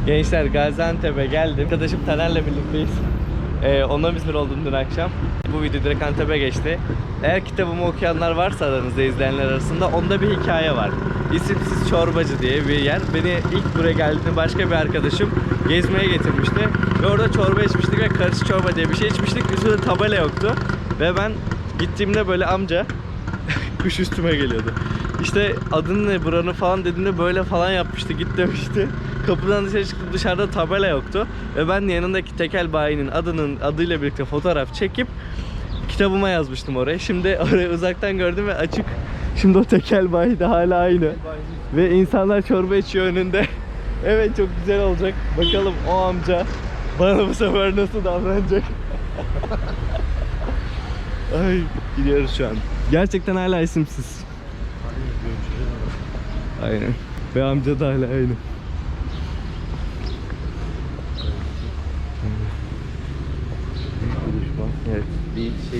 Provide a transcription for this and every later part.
Gençler Gaziantep'e geldim. Arkadaşım Taner'le birlikteyiz. Onunla İzmir oldum dün akşam. Bu video direkt Antep'e geçti. Eğer kitabımı okuyanlar varsa aranızda, izleyenler arasında, onda bir hikaye var. İsimsiz Çorbacı diye bir yer. Beni ilk buraya geldiğinde başka bir arkadaşım gezmeye getirmişti. Ve orada çorba içmiştik ve karışık çorba diye bir şey içmiştik. Üstünde tabela yoktu. Ve ben gittiğimde böyle amca kuş üstüme geliyordu. İşte adın ne buranın falan dediğimde böyle falan yapmıştı, git demişti. Kapıdan dışarı çıktım, dışarıda tabela yoktu. Ve ben yanındaki tekel bayinin adıyla birlikte fotoğraf çekip kitabıma yazmıştım oraya. Şimdi orayı uzaktan gördüm ve açık. Şimdi o tekel bayi de hala aynı. Ve insanlar çorba içiyor önünde. Evet, çok güzel olacak. Bakalım o amca bana bu sefer nasıl davranacak. Ay, gidiyoruz şu an. Gerçekten hala isimsiz. Aynen. Ve amca da hala aynı. Evet. Bir şey.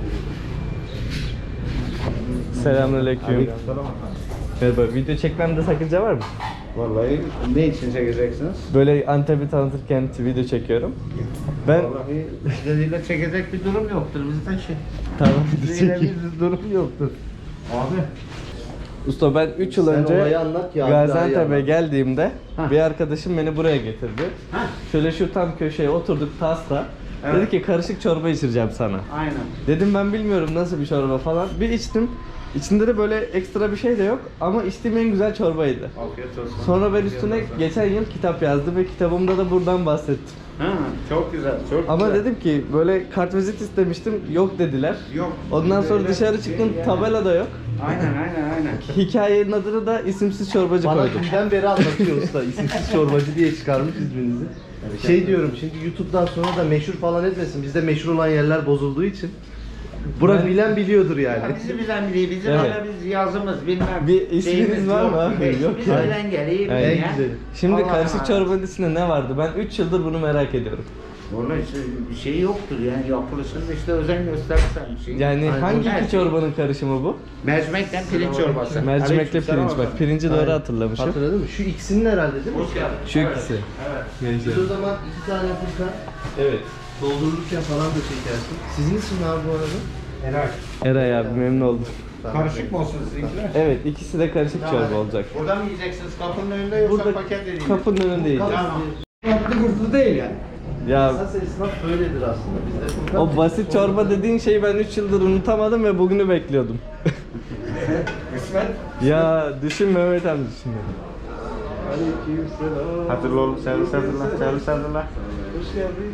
Selamünaleyküm. Merhaba, video çekmemde sakınca var mı? Vallahi ne için çekeceksiniz? Böyle Antep'i tanıtırken video çekiyorum. Ben Vallahi bizleriyle çekecek bir durum yoktur bizde şey. tamam, video Bizleriyle çekeyim. bir durum yoktur. Abi. Usta, ben 3 yıl Sen önce olayı anlat ya, Gaziantep'e anlat. geldiğimde Hah. bir arkadaşım beni buraya getirdi. Hah. Şöyle şu tam köşeye oturduk tasla. Evet. Dedi ki karışık çorba içireceğim sana. Aynen. Dedim ben bilmiyorum nasıl bir çorba falan. Bir içtim. İçinde de böyle ekstra bir şey de yok ama içtiğim en güzel çorbaydı. Afiyet olsun. Sonra ben üstüne geçen yıl kitap yazdım ve kitabımda da buradan bahsettim. Ha, çok güzel, çok Ama güzel. dedim ki böyle kartvizit istemiştim, yok dediler. Yok. Ondan sonra Öyle dışarı değil çıktım, yani. tabela da yok. Aynen. Hikayenin adını da isimsiz çorbacı Bana koydum. dünden beri anlatıyor usta. İsimsiz çorbacı diye çıkarmış isminizi. Şey diyorum, şimdi YouTube'dan sonra da meşhur falan etmesin. Bizde meşhur olan yerler bozulduğu için. Bura bilen biliyordur yani. Ya bizi bilen biliyor, bizim Evet. öyle biz yazımız bilmem. Bir isminiz şeyimiz var mı yok. abi? Biz Yok bizi yani. bilen geliyor. En ya. güzeli. Şimdi Allah'ım karışık Allah. çorbanın içinde ne vardı? Ben 3 yıldır bunu merak ediyorum. Onun işte bir şey yoktur yani, yapılışında işte özen göstersen bir şey. Yani Aynen. hangi Her iki şey. çorbanın karışımı bu? Mercimekten pirinç çorbası. Mercimekle Aleykümselam pirinç, bak efendim. pirinci doğru Aynen. hatırlamışım. Hatırladın mı? Şu ikisinin herhalde değil mi? Hoş geldin. Şu Evet, ikisi. Evet. Gençler. Biz o zaman 2 tane fırka Evet. doldururken falan da çekersin. Sizin isim ne abi bu arada? Helal. Eray abi, memnun oldum. Karışık mı olsun sizinkiler? Evet, ikisi de karışık çorba olacak. Buradan mı yiyeceksiniz? Kapının önünde yoksa Burada paket edeyim. kapının önünde yiyeceğiz. Tamam. Tatlı kurtlu değil yani. Ya Esas esnaf böyledir aslında. Bizde fırka o basit çorba dediğin şeyi ben 3 yıldır unutamadım ve bugünü bekliyordum. Kısmet. Ya düşün Mehmet amca şimdi. Aleykümselam. Hatırlı oğlum, servis hazırla, servis hazırla. Hoş geldin.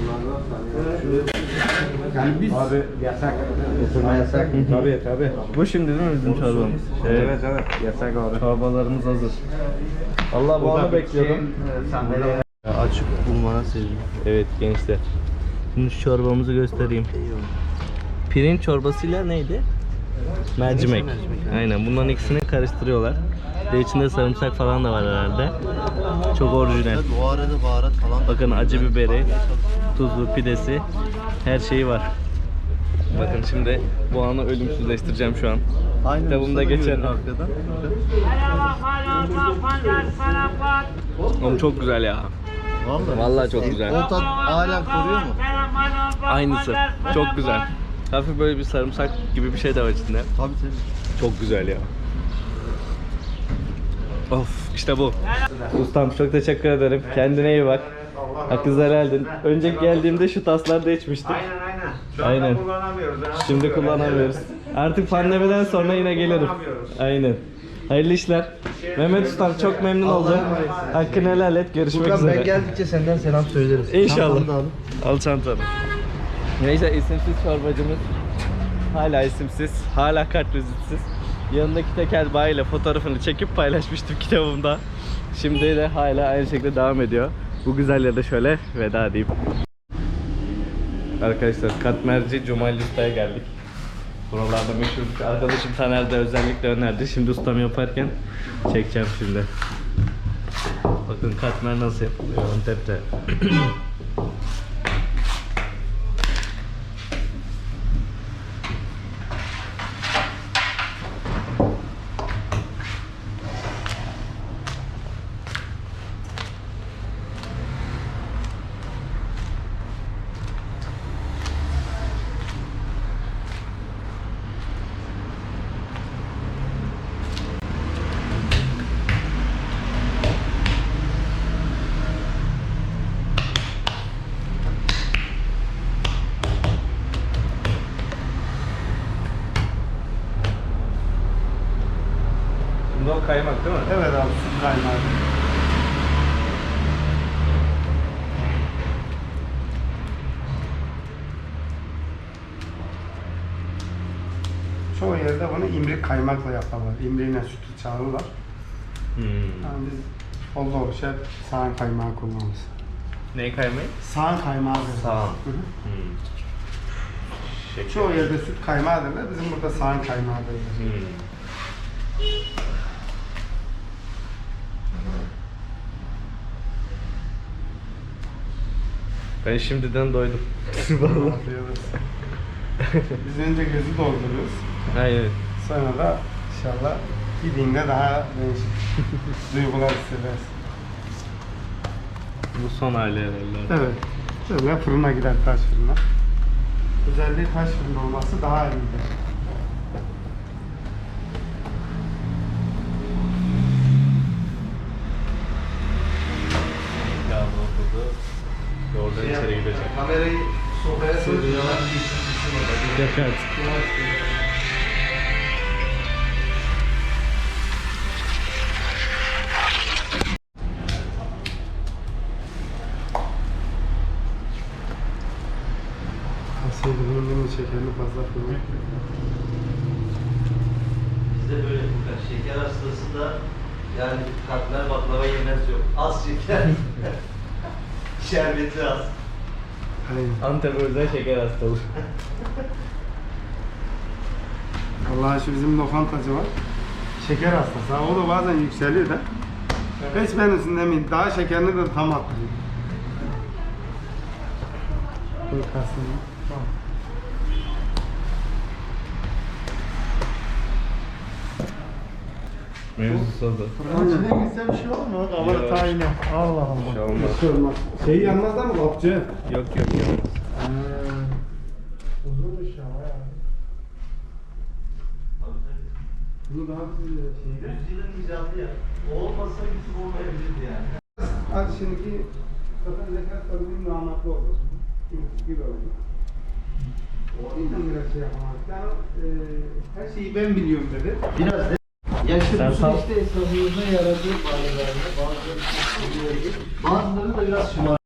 Abi yasak. Oturma yasak. Tabii. Bu şimdi değil mi bizim çorbamız? Evet, yasak abi. Çorbalarımız hazır. Allah bu anı bekliyordum. Sandalye. Açık bulmana sevindim. Evet gençler. Şimdi şu çorbamızı göstereyim. Pirinç çorbasıyla neydi? Mercimek. Aynen, bunların ikisini karıştırıyorlar. Bir de içinde sarımsak falan da var herhalde. Çok orijinal. Bu arada baharat falan. Bakın acı biberi, tuzlu, pidesi, her şeyi var. Bakın şimdi bu anı ölümsüzleştireceğim şu an. Aynen. Kitabımda geçen arkadan. Oğlum çok güzel ya. Vallahi çok güzel. O tat hala koruyor mu? Aynısı. Çok güzel. Hafif böyle bir sarımsak gibi bir şey de var içinde. Tabii tabii. Çok güzel ya. Of, işte bu. Ustam çok teşekkür ederim. Kendine iyi bak. Hakkınızı helal edin. Önceki geldiğimde şu taslarda içmiştik. Aynen. Şu anda Aynen. kullanamıyoruz. ha. Şimdi kullanamıyoruz. Artık pandemiden sonra yine gelirim. Aynen. Hayırlı işler. Mehmet Ustam çok memnun oldum. Hakkını helal et. Görüşmek Buradan ben üzere. geldikçe senden selam söyleriz. İnşallah. Çantanı da alın. Al çantanı. Neyse, isimsiz çorbacımız hala isimsiz, hala kartvizitsiz. Yanındaki tekel bayiyle fotoğrafını çekip paylaşmıştım kitabımda. Şimdi de hala aynı şekilde devam ediyor. Bu güzel yerde şöyle veda edeyim. Arkadaşlar Katmerci Cumali Usta'ya geldik. Buralarda meşhur arkadaşım Taner de özellikle önerdi. Şimdi ustam yaparken çekeceğim şimdi. Bakın katmer nasıl yapılıyor Antep'te. kaymak değil mi? Evet abi, süt kaymağı. Çoğu yerde bunu imrik kaymakla yaparlar. İmriğine sütü çağırırlar. Yani biz oldu olmuş hep sağan kaymağı kullanırız. Ne kaymağı? Sağan kaymağı derler. Sağan. Hı hı. Şeker. Çoğu yerde süt kaymağı derler, bizim burada sağan kaymağı derler. Ben şimdiden doydum. Afiyet Biz önce gözü dolduruyoruz. Aynen. Sonra da inşallah gidince daha değişik duygular hissedersin. Bu son hali herhalde. Evet. Böyle fırına gider, taş fırına. Özelliği taş fırında olması daha iyidir. Ya bu oturdu. Oradan içeri gidecek. Kamerayı sofraya sığdırıyorlar. Dikkat. Kasaydı bunun değil mi? Şekerini fazla koymak. Bizde böyle Furkan. Şeker hastası da yani katmer baklava yemez yok. Az şeker. Şerbeti az. Aynen. Antep özel şeker hastalığı. Vallahi şu bizim lokantacı var. Şeker hastası. Ha, o da bazen yükseliyor da. Hiç ben üstünde mi? Daha şekerini de tam attırıyor. Koy kasını. Mevzusu oldu. İçine gitse bir şey olur mu? Kavala Yok. tayine. Allah Allah. Bir şey olmaz. Bir şey olmaz. Şey yanmaz da mı kapçı? Yok olmaz. Uzunmuş ama ya. Bunu daha bir şeyde. Yüzyılın icadı ya. O olmasa YouTube olmayabilirdi yani. Hadi şimdiki zaten zekat tabii namatlı oldu. Gibi oldu. O yüzden biraz şey yapamadık. Yani her şeyi ben biliyorum dedi. Biraz de Sen yaşlı sal. işte esnafımıza yaradığı bazılarını, bazıları da biraz şımar.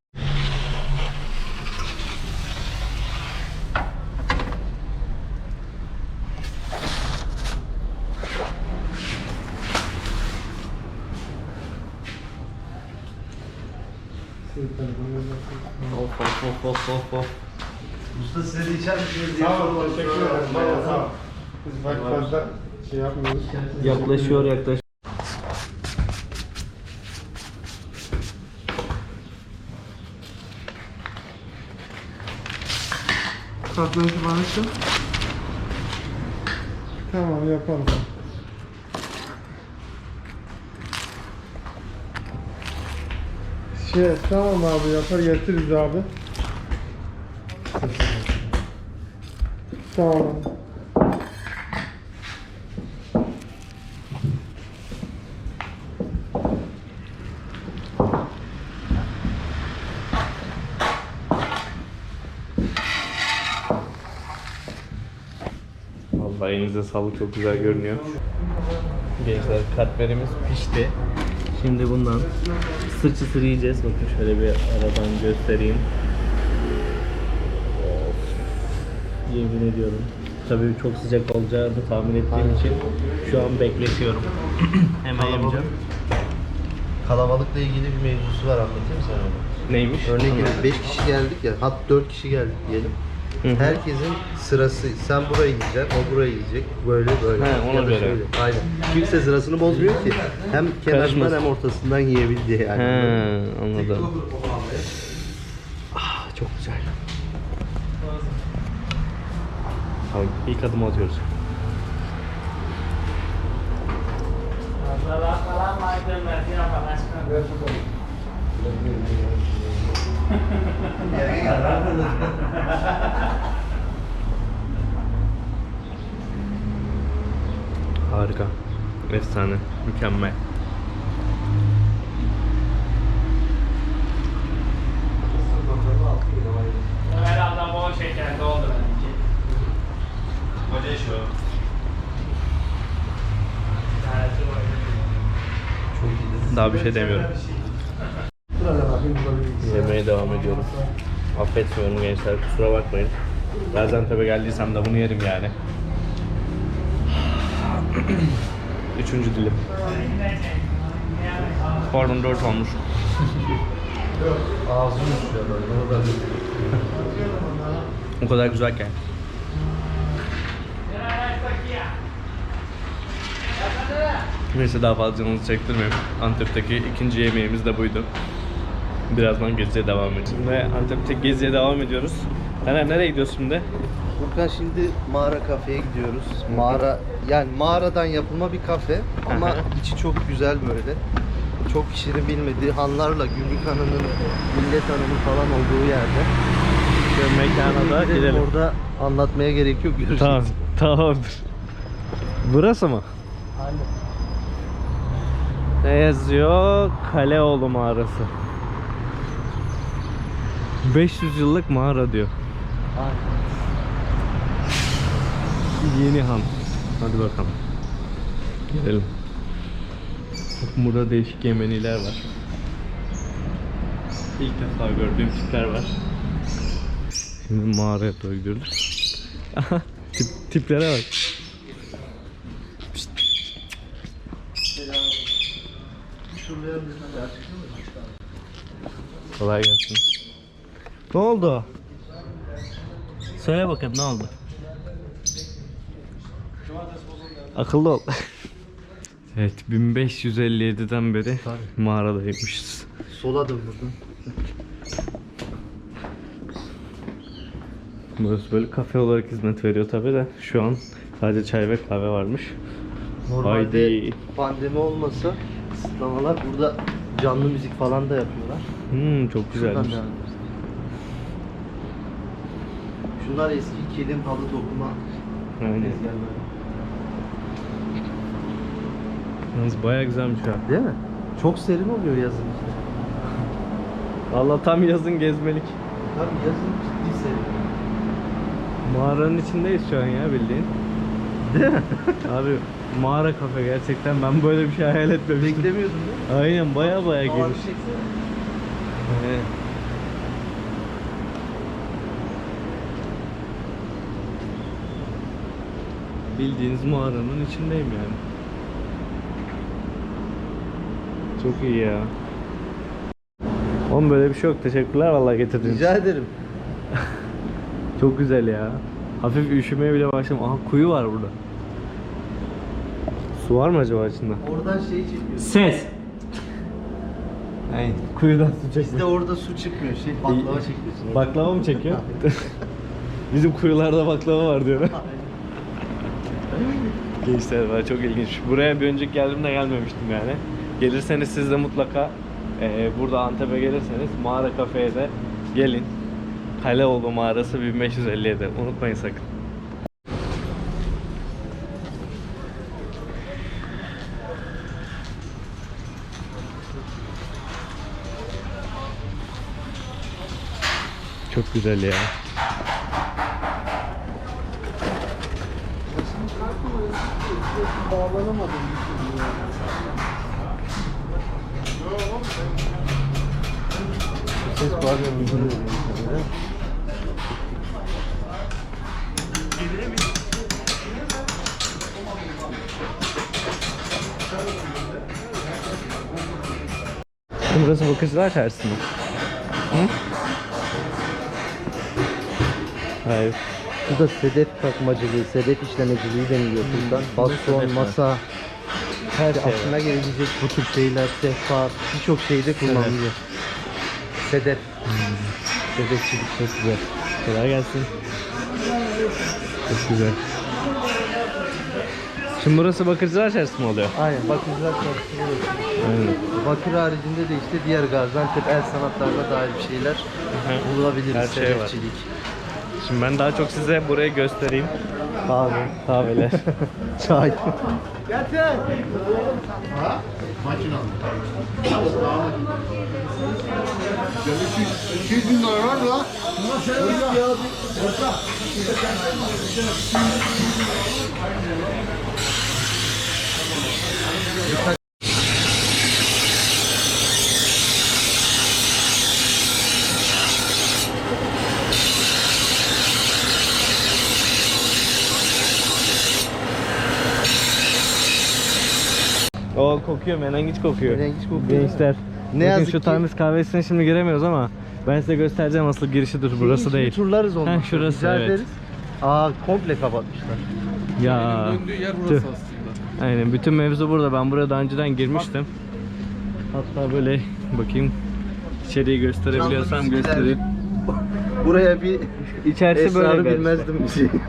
Of. Usta size de içer misiniz diye Sağ ol, sormak teşekkür istiyorum. ederim. Bayağı sağ ol. Biz bak fazla şey yapmıyoruz. Yaklaşıyor. Katlanıcı bana şu. Tamam yapalım. Tamam abi yapar getiririz abi. Tamam. Vallahi elinize sağlık, çok güzel görünüyor. Gençler, katmerimiz pişti. Şimdi bundan çıtır yiyeceğiz. Bakın şöyle bir aradan göstereyim. Of. Yemin ediyorum. Tabii çok sıcak olacağını tahmin ettiğim için şu an bekletiyorum. Hemen yemeyeceğim. Kalabalıkla ilgili bir mevzusu var, anlatayım sana onu. Neymiş? Örnek veriyorum, 5 kişi geldik ya, hatta 4 kişi geldik diyelim. Hı hı. Herkesin sırası, sen burayı yiyeceksin, o burayı yiyecek, böyle. He, ona Ya da göre. şöyle. Aynen. Kimse sırasını bozmuyor ki. Hem kenarından Karışmasın. hem ortasından yiyebil diye yani. He, anladım. Çok güzel. Tamam, ilk adımı atıyoruz. Harika. Efsane. Mükemmel. Herhalde bol şekerli oldu benimki. Hoca şu. Evet, Daha bir şey demiyorum. Yemeğe devam ediyorum. Affetmiyorum gençler, kusura bakmayın. Gaziantep'e geldiysem de bunu yerim yani. Üçüncü dilim. Pardon 4 olmuş. Ağzım uçuyor böyle. O kadar güzelken. Neyse daha fazla canınızı çektirmeyeyim. Antep'teki ikinci yemeğimiz de buydu. Birazdan geziye devam edeceğiz. Şimdi Antep'te geziye devam ediyoruz. Taner nereye gidiyoruz şimdi? Furkan şimdi mağara kafeye gidiyoruz. Mağara yani mağaradan yapılma bir kafe ama Aha. içi çok güzel böyle. Çok kişinin bilmediği hanlarla Gümrük Hanı'nın, Millet Hanı'nın falan olduğu yerde. Şu mekana da gidelim. Orada anlatmaya gerek yok. Görüşürüz. Tamam, tamamdır. Burası mı? Aynen. Ne yazıyor? Kaleoğlu mağarası. 500 yıllık mağara diyor. Aynen. Yeni han. Hadi bakalım. Gidelim. Bakın burada değişik Yemeniler var. İlk defa gördüğüm tipler var. Şimdi mağaraya doğru gidiyoruz. Aha, tiplere bak. Kolay gelsin. Ne oldu? Söyle bakayım ne oldu? Akıllı ol. Evet 1557'den beri mağaradaymışız. Sola dön buradan. Burası böyle kafe olarak hizmet veriyor tabi de şu an sadece çay ve kahve varmış. Normalde Haydi. pandemi olmasa kısıtlamalar burada canlı müzik falan da yapıyorlar. Çok Şuradan güzelmiş. devam edelim. Şunlar eski kilim halı dokuma Aynen. tezgahları. Yalnız bayağı güzelmiş ha. Değil mi? Çok serin oluyor yazın işte. Valla tam yazın gezmelik. Tabii yazın ciddi serin. Mağaranın içindeyiz şu an ya bildiğin. Değil mi? Abi mağara kafe gerçekten ben böyle bir şey hayal etmemiştim. Beklemiyordun değil mi? Aynen bayağı Havanı geniş. çeksene. Evet. Bildiğiniz mağaranın içindeyim yani. Çok iyi ya. Oğlum böyle bir şey yok. Teşekkürler vallahi getirdiğiniz için. Rica ederim. Çok güzel ya. Hafif üşümeye bile başladım. Aha kuyu var burada. Su var mı acaba içinde? Oradan şey çekiyor. Ses. Aynen. Kuyudan su Bizde çekmiyor. orada su çıkmıyor. Şey baklava çekiyorsun. orada. Baklava mı çekiyor? Bizim kuyularda baklava var diyor. Gençler var çok ilginç. Buraya bir önceki geldiğimde gelmemiştim yani. Gelirseniz siz de mutlaka burada Antep'e gelirseniz mağara kafeye de gelin. Kaleoğlu mağarası 1557. Unutmayın sakın. Çok güzel ya. Bağlanamadım. Ses bağlanıyor. Burası Bakırcılar Çarşısı mı? Hı? Hayır. Bu da sedef takmacılığı, sedef işlemeciliği deniliyor buradan. Baston, sedef var. masa, Her şey aklına gelebilecek bu tür şeyler, sehpa, birçok şeyde kullanılıyor. Sedef. Sedefçilik çok güzel. Kolay gelsin. Çok güzel. Şimdi burası Bakırcılar Çarşısı mı oluyor? Aynen, Bakırcılar Çarşısı burası. Aynen. Bakır haricinde de işte diğer Gaziantep el sanatlarına dair bir şeyler bulabiliriz. Her şey var. Sedefçilik. Şimdi ben daha çok size burayı göstereyim. Kahve, Kahveler. çay. O kokuyor, menengiç kokuyor. Menengiç kokuyor. Gençler. Ne Ne yazık şu ki- Times kahvesine şimdi giremiyoruz ama ben size göstereceğim asıl girişidir. Burası Şimdi değil. turlarız onu. Heh, şurası, Rica evet. ederiz. Aa komple kapatmışlar. Ya. Döndüğü yer Tüh. burası aslında. Aynen, bütün mevzu burada. Ben buraya daha önceden girmiştim. Hatta böyle bakayım, içeriği gösterebiliyorsam Canlı müzikler. göstereyim. Buraya bir İçerisi böyle esrarı galiba. bilmezdim.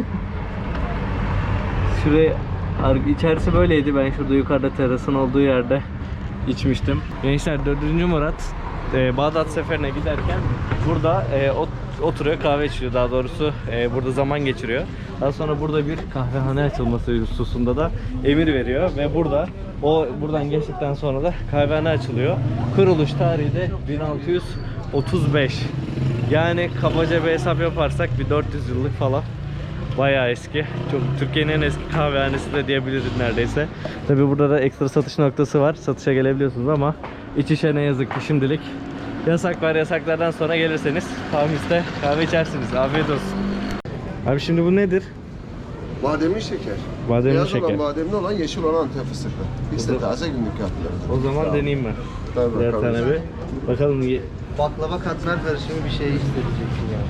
Şuraya içerisi böyleydi. Ben şurada yukarıda terasın olduğu yerde içmiştim. Gençler 4. Murat Bağdat seferine giderken burada oturuyor, kahve içiyor, daha doğrusu burada zaman geçiriyor. Daha sonra burada bir kahvehane açılması hususunda da emir veriyor ve buradan geçtikten sonra da kahvehane açılıyor. Kuruluş tarihi de 1635. Yani kabaca bir hesap yaparsak bir 400 yıllık falan. Bayağı eski. Çok Türkiye'nin en eski kahvehanesi de diyebiliriz neredeyse. Tabii burada da ekstra satış noktası var. Satışa gelebiliyorsunuz ama iç içe ne yazık ki şimdilik yasak var. Yasaklardan sonra gelirseniz Pamis'te kahve içersiniz. Afiyet olsun. Abi şimdi bu nedir? Bademli şeker. Bademli Beyaz şeker. olan bademli olan, yeşil olan Antep fıstıklı. İkisi de taze günlük yaptılar. O zaman deneyeyim ben. Tabii Birer bakalım. tane bir. Bakalım. Baklava katmer karışımı bir şey isteyeceksin ya.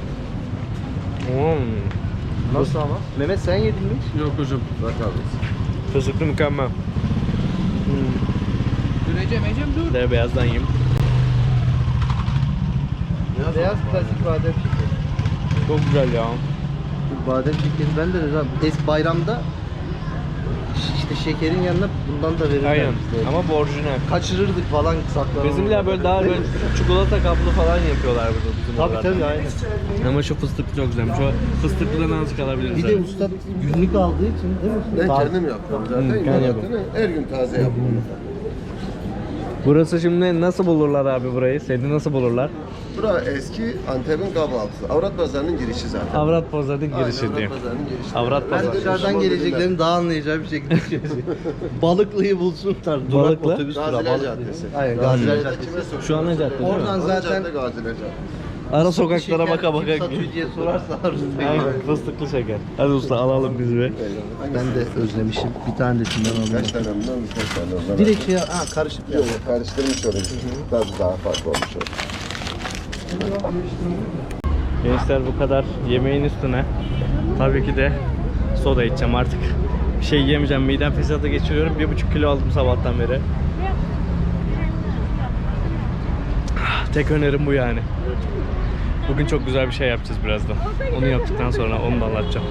Nasıl ama? Mehmet sen yedin mi? Yok hocam. Bak abi. Fıstıklı mükemmel. Döneceğim dur. De beyazdan yiyeyim. Beyaz klasik badem şekeri. Çok güzel ya. Badem şekeri ben de eski bayramda işte şekerin yanına bundan da verirler Aynen. bize. Ama bu orijinal. Kaçırırdık falan saklanırdık. Bizimkiler böyle daha böyle çikolata kaplı falan yapıyorlar burada bizim Tabii oralarda. tabii aynen. Ama şu fıstıklı çok güzelmiş. O fıstıklıdan azıcık alabiliriz. Bir de abi. usta günlük aldığı için değil mi? Ben Taze. kendim yapıyorum zaten. kendi İmalatını her gün taze yapıyorum. Burası şimdi nasıl bulurlar abi burayı? Seni nasıl bulurlar? Bura eski Antep'in kahvaltısı. Avrat pazarının girişi zaten. Avrat Pazarı'nın Aynen, girişi Avrat diye. pazarının girişi. Avrat Ben Pazarı. dışarıdan geleceklerin daha anlayacağı bir şekilde söyleyeyim. Balıklı'yı bulsunlar. Durak Balıklı? otobüs durağı. Gaziler Balıklı. Caddesi. Aynen Gaziler Caddesi. Şu ana cadde değil mi? Oradan zaten Zaten Gaziler Caddesi. Ara sokaklara şeker baka baka kim satıyor diye sorarsa arızda. Aynen, fıstıklı şeker. Hadi usta alalım biz bir. Ben de özlemişim. Bir tanesinden Kaç alayım. tane bundan, birkaç tane ondan. Direkt şey karışık Yok, karıştırmış olayım. Tadı daha farklı olmuş olur. Gençler bu kadar yemeğin üstüne tabii ki de soda içeceğim artık. Bir şey yiyemeyeceğim. Midem fesatı geçiriyorum. 1,5 kilo aldım sabahtan beri. Tek önerim bu yani. Bugün çok güzel bir şey yapacağız birazdan. Onu yaptıktan sonra onu da anlatacağım.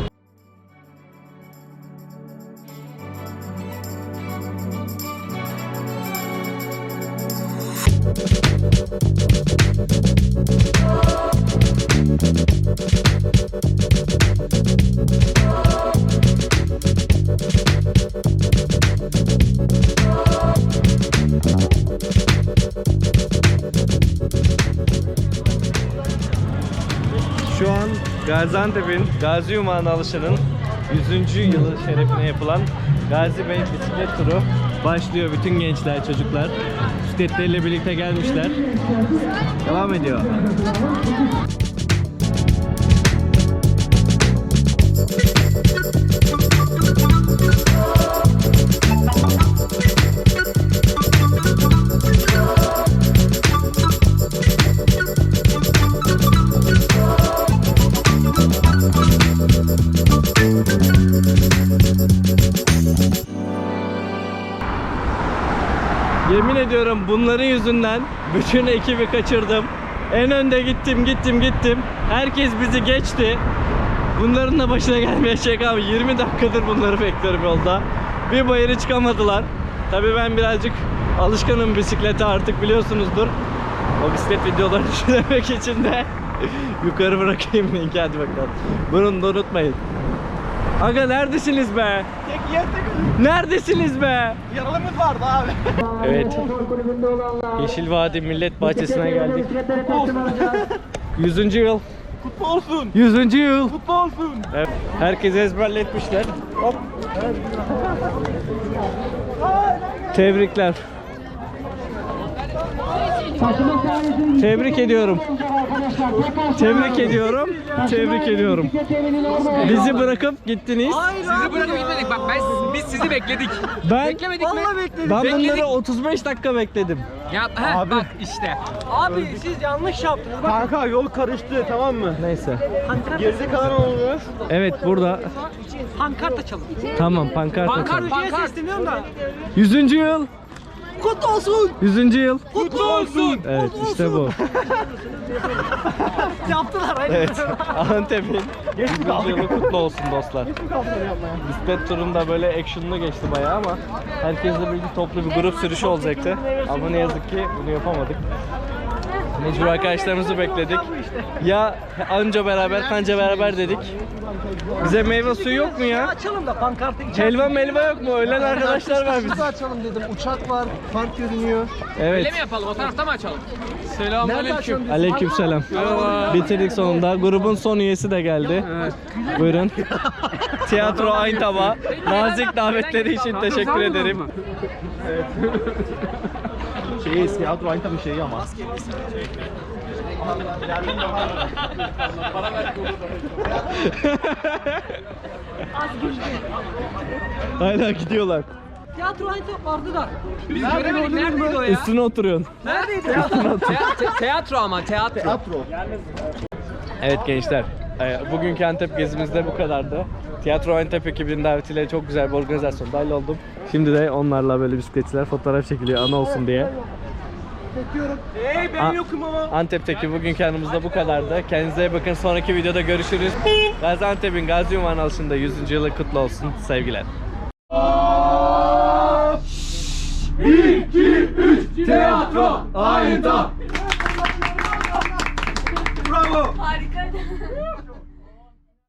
Şu an Gaziantep'in Gazi Yumağı'na alışının 100. yılı şerefine yapılan Gazi Bey bisiklet turu başlıyor. Bütün gençler, çocuklar bisikletleriyle birlikte gelmişler. Devam ediyor. Yemin ediyorum bunların yüzünden bütün ekibi kaçırdım. En önde gittim. Herkes bizi geçti. Bunların da başına gelmeyecek abi. 20 dakikadır bunları bekliyorum yolda. Bir bayırı çıkamadılar. Tabii ben birazcık alışkanım bisiklete artık biliyorsunuzdur. O bisiklet videolarını izlemek için de yukarı bırakayım linki, hadi bakalım. Bunu da unutmayın. Aga neredesiniz be? Neredesiniz be? Yaralımız vardı abi. Evet. Yeşil Vadi Millet Bahçesi'ne geldik. 100. yıl. Kutlu olsun. 100. yıl. Kutlu olsun. Evet. Herkes ezberletmişler. Hop. Tebrikler. Tebrik ediyorum. Tebrik ediyorum. Tebrik ediyorum. Bizi bırakıp gittiniz. Sizi bırakıp gitmedik bak biz sizi bekledik. Ben Beklemedik mi? ben Bekledik. bunları 35 dakika bekledim. Ya bak işte. Abi siz yanlış yaptınız. Kanka yol karıştı tamam mı? Neyse. Geride kalan oluyor. Evet burada. Pankart açalım. Tamam pankart açalım. Pankart sesleniyorum da. 100. yıl. Kutlu olsun. 100. yıl. Kutlu olsun. Evet işte bu. Yaptılar aynen. Evet. Antep'in 100. yılı kutlu olsun dostlar. Bisiklet turunda böyle action'lı geçti bayağı ama herkesle birlikte toplu bir grup sürüşü olacaktı. Ama ne yazık ki bunu yapamadık. Mecbur arkadaşlarımızı bekledik. Ya anca beraber kanca beraber dedik. Bize meyve suyu yok mu ya? Açalım da pankartı içelim. Helva melva yok mu? Ölen arkadaşlar var bizim. açalım dedim. Uçak var, park görünüyor. Evet. Öyle mi yapalım? O tarafta mı açalım? Selamünaleyküm. Aleykümselam. Bitirdik sonunda. Grubun son üyesi de geldi. Buyurun. Tiyatro Ayntaba. Nazik davetleri için teşekkür ederim. Tiyatro aynı tabii şeyi ama. Hala gidiyorlar. Tiyatro aynı vardı da. Biz göremedik. Neredeydi o ya? Üstüne oturuyorsun. Neredeydi? Tiyatro ama tiyatro. Evet gençler. Bugünkü Antep gezimizde bu kadardı. Tiyatro Antep ekibinin davetiyle çok güzel bir organizasyon dahil oldum. Şimdi de onlarla böyle bisikletçiler fotoğraf çekiliyor ana olsun diye. Ben yokum ama. Antep'teki bugünkü anımızda bu kadardı. Kendinize iyi bakın. Sonraki videoda görüşürüz. Gaziantep'in Gazi Ünvan Alışı'nda 100. yılı kutlu olsun. Sevgiler. Tiyatro aynı. Harika.